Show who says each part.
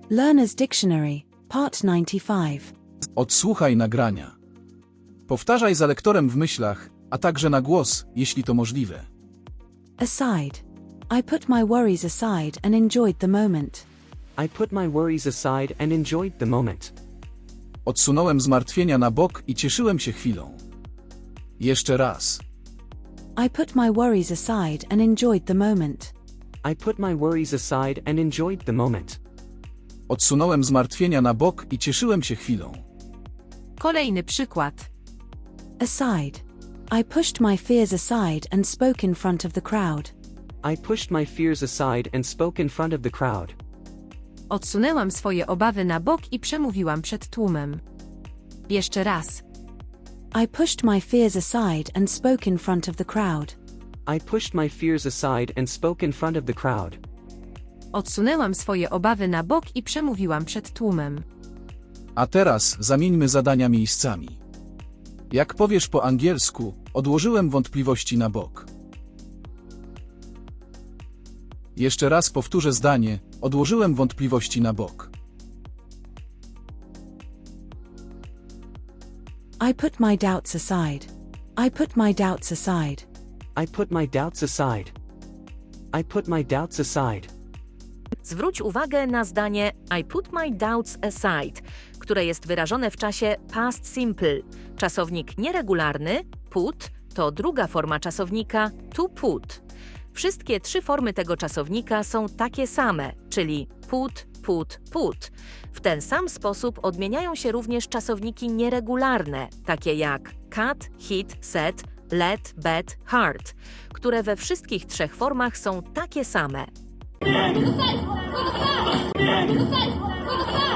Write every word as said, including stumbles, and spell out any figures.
Speaker 1: Learner's Dictionary, Part ninety-five.
Speaker 2: Odsłuchaj nagrania. Powtarzaj za lektorem w myślach, a także na głos, jeśli to możliwe.
Speaker 1: Aside. I put my worries aside and enjoyed the moment.
Speaker 3: I put my worries aside and enjoyed the moment.
Speaker 2: Odsunąłem zmartwienia na bok i cieszyłem się chwilą. Jeszcze raz.
Speaker 1: I put my worries aside and enjoyed the moment.
Speaker 3: I put my worries aside and enjoyed the moment.
Speaker 2: Odsunąłem zmartwienia na bok i cieszyłem się chwilą.
Speaker 4: Kolejny przykład.
Speaker 1: Aside. I pushed my fears aside and spoke in front of the crowd.
Speaker 3: I pushed my fears aside and spoke in front of the crowd.
Speaker 4: Odsunęłam swoje obawy na bok i przemówiłam przed tłumem. Jeszcze raz.
Speaker 1: I pushed my fears aside and spoke in front of the crowd.
Speaker 3: I pushed my fears aside and spoke in front of the crowd.
Speaker 4: Odsunęłam swoje obawy na bok i przemówiłam przed tłumem.
Speaker 2: A teraz zamieńmy zadania miejscami. Jak powiesz po angielsku, odłożyłem wątpliwości na bok. Jeszcze raz powtórzę zdanie, odłożyłem wątpliwości na bok.
Speaker 1: I put my doubts aside. I put my doubts aside.
Speaker 3: I put my doubts aside. I put my doubts aside.
Speaker 5: Zwróć uwagę na zdanie I put my doubts aside, które jest wyrażone w czasie past simple. Czasownik nieregularny, put, to druga forma czasownika to put. Wszystkie trzy formy tego czasownika są takie same, czyli put, put, put. W ten sam sposób odmieniają się również czasowniki nieregularne, takie jak cut, hit, set, let, bet, hard, które we wszystkich trzech formach są takie same.
Speaker 6: Move aside! Move aside! Move aside! Move aside!